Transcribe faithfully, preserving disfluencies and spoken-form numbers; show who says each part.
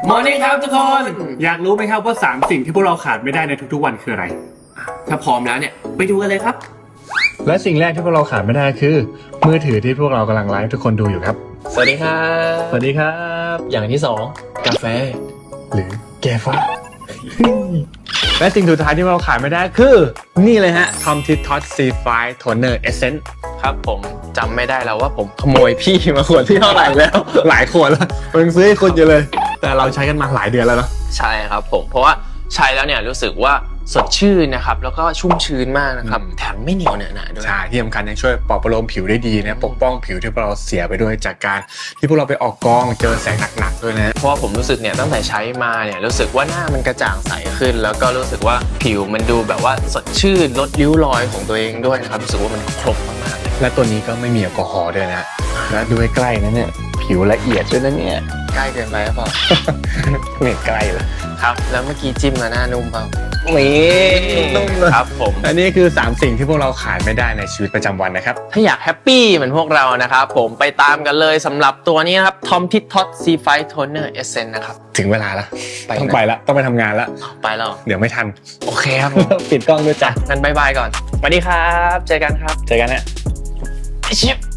Speaker 1: มอร์นิ่งครับทุกคน
Speaker 2: อยากรู้ไหมครับว่าสามสิ่งที่พวกเราขาดไม่ได้ในทุกๆวันคืออะไร
Speaker 1: ถ้าพร้อมแล้วเนี่ยไปดูกันเลยครับ
Speaker 2: และสิ่งแรกที่พวกเราขาดไม่ได้คือมือถือที่พวกเรากำลังไลฟ์ทุกคนดูอยู่ครับ
Speaker 1: สวัสดีครับ
Speaker 2: สวัสดีครับ
Speaker 1: อย่างที่สองกาแฟ
Speaker 2: หรือแกฟ้า และสิ่งสุดท้ายที่เราขาดไม่ได้คือนี่เลยฮะ Tom Tit Tot ซี ไฟว์ Toner Essence
Speaker 1: ครับผมจำไม่ได้แล้วว่าผมขโมยพี่มาขวดที่เท่าไหร่แล้ว
Speaker 2: หลายขวดแล้วมึงซื้อให้คุณอยู่เลย แต่เราใช้กันมาหลายเดือนแล้วเนาะ
Speaker 1: ใช่ครับผมเพราะว่าใช้แล้วเนี่ยรู้สึกว่าสดชื่นนะครับแล้วก็ชุ่มชื้นมากนะครับแถมไม่เหนียวเหนอะหนะด้วย
Speaker 2: ใช่ที่สำคัญยังช่วยปลอบประโลมผิวได้ดีนะปกป้องผิวที่พวกเราเสียไปด้วยจากการที่พวกเราไปออกกองเจอแสงหนักๆด้วยนะ
Speaker 1: เพราะว่าผมรู้สึกเนี่ยตั้งแต่ใช้มาเนี่ยรู้สึกว่าหน้ามันกระจ่างใสขึ้น แล้วก็รู้สึกว่าผิวมันดูแบบว่าสดชื่นลดริ้วรอยของตัวเองด้วยนะครับรู้สึกว่ามันครบมากๆเลย
Speaker 2: และตัวนี้ก็ไม่มีแอลกอฮอล์ด้วยนะและดูใกล้ๆนะเนี่ยผิวละเอียดด้วยนะเนี่ย
Speaker 1: ใกล้เกินไปหรือเปล่า
Speaker 2: ไม่ใกล้เลย
Speaker 1: ครับแล้วเมื่อกี้จิ้มมาหน้านุ่มเปล่า
Speaker 2: นี่นุ่มเลย
Speaker 1: ครับผม
Speaker 2: อันนี้คือสามสิ่งที่พวกเราขาดไม่ได้ในชีวิตประจำวันนะครับ
Speaker 1: ถ้าอยากแฮปปี้เหมือนพวกเรานะครับผมไปตามกันเลยสำหรับตัวนี้นะครับ Tom Tit Tot ซี ไฟว์ Toner Essence นะครับ
Speaker 2: ถึงเวลาแล้ว
Speaker 1: ไปนะ
Speaker 2: ต้องไปแล้วต้องไปทำงานแล้ว
Speaker 1: ไปแล้ว
Speaker 2: เดี๋ยวไม่ทัน
Speaker 1: โอเคครับผม
Speaker 2: ปิดกล้องด้วยจ้ะ
Speaker 1: งั้นบายบายก่อนสวัสดีครับเจอกันครับ
Speaker 2: เจอกันนะ
Speaker 1: ชิป